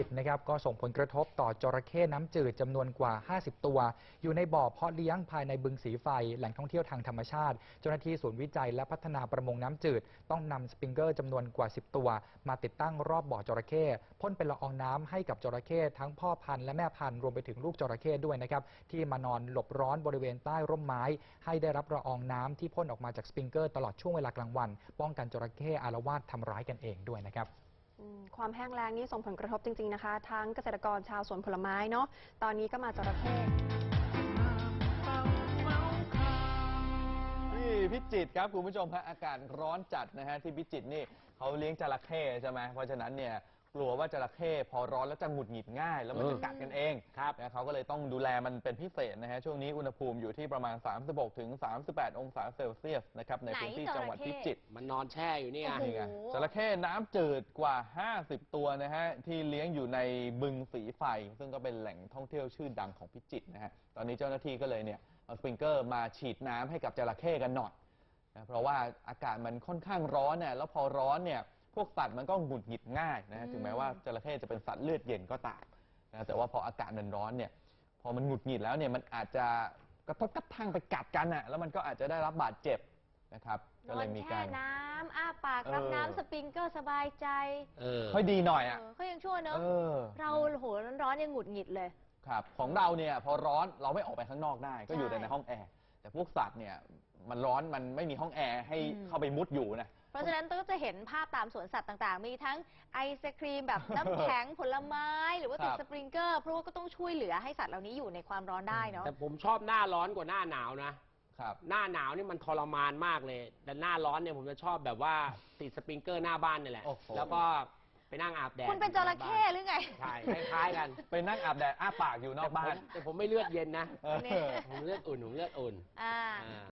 จิตรนะครับก็ส่งผลกระทบต่อจระเข้น้ำจืดจำนวนกว่า50ตัวอยู่ในบ่อเพาะเลี้ยงภายในบึงสีไฟแหล่งท่องเที่ยวทางธรรมชาติเจ้าหน้าที่ศูนย์วิจัยและพัฒนาประมงน้ำจืดต้องนำสปริงเกอร์จำนวนกว่า10ตัวมาติดตั้งรอบบ่อจระเข้พ่นเป็นละอองน้ำให้กับจระเข้ทั้งพ่อพันธุ์และแม่พันธุ์รวมไปถึงลูกจระเข้ด้วยนะครับที่มานอนหลบร้อนบริเวณใต้ร่มไม้ให้ได้รับละอองน้ำที่พ่นออกมาจากสปริงเกอร์ตลอดช่วงเวลากลางวันป้องกันจระเข้อาละวาดทำร้ายกันเองด้วยนะครับความแห้งแล้งนี่ส่งผลกระทบจริงๆนะคะทั้งเกษตรกรชาวสวนผลไม้เนาะตอนนี้ก็มาจระเข้ที่พิจิตรครับคุณผู้ชมฮะอากาศร้อนจัดนะฮะที่พิจิตรนี่เขาเลี้ยงจระเข้ใช่ไหมเพราะฉะนั้นเนี่ยกลัวว่าจระเข้พอร้อนแล้วจะหงุดหงิดง่ายแล้วมันจะกัดกันเองครับนะเขาก็เลยต้องดูแลมันเป็นพิเศษนะฮะช่วงนี้อุณหภูมิอยู่ที่ประมาณ36 ถึง 38 องศาเซลเซียสนะครับในพื้นที่จังหวัดพิจิตรมันนอนแช่อยู่นี่ไงจระเข้น้ำจืดกว่า50ตัวนะฮะที่เลี้ยงอยู่ในบึงสีไฟซึ่งก็เป็นแหล่งท่องเที่ยวชื่อดังของพิจิตรนะฮะตอนนี้เจ้าหน้าที่ก็เลยเนี่ยเอาสปริงเกอร์มาฉีดน้ำให้กับจระเข้กันหน่อยนะเพราะว่าอากาศมันค่อนข้างร้อนเนี่ยแล้วพอร้อนเนี่ยพวกสัตว์มันก็หงุดหงิดง่ายนะถึงแม้ว่าจระเข้จะเป็นสัตว์เลือดเย็นก็ตามนะแต่ว่าพออากาศมันร้อนเนี่ยพอมันหงุดหงิดแล้วเนี่ยมันอาจจะกระทบกระทั่งไปกัดกันอ่ะแล้วมันก็อาจจะได้รับบาดเจ็บนะครับก็เลยมีการแช่น้ำอ้าปากรับน้ำสปริงเกอร์สบายใจค่อยดีหน่อยอ่ะเขายังชั่วเนอะเราโหร้อนยังหงุดหงิดเลยครับของเราเนี่ยพอร้อนเราไม่ออกไปข้างนอกได้ก็อยู่ในห้องแอร์แต่พวกสัตว์เนี่ยมันร้อนมันไม่มีห้องแอร์ให้เข้าไปมุดอยู่นะเพราะฉะนั้นก็จะเห็นภาพตามสวนสัตว์ต่างๆมีทั้งไอศครีมแบบน้ำแข็งผลไม้หรือว่าติดสปริงเกอร์เพราะว่าก็ต้องช่วยเหลือให้สัตว์เหล่านี้อยู่ในความร้อนได้เนาะแต่ผมชอบหน้าร้อนกว่าหน้าหนาวนะครับหน้าหนาวนี่มันทรมานมากเลยแต่หน้าร้อนเนี่ยผมจะชอบแบบว่าติดสปริงเกอร์หน้าบ้านนี่แหละแล้วก็ไปนั่งอาบแดดคุณเป็นจระเข้หรือไงใช่คล้ายๆกันไปนั่งอาบแดดอ้าปากอยู่นอกบ้านแต่ผมไม่เลือดเย็นนะผมเลือดอุ่น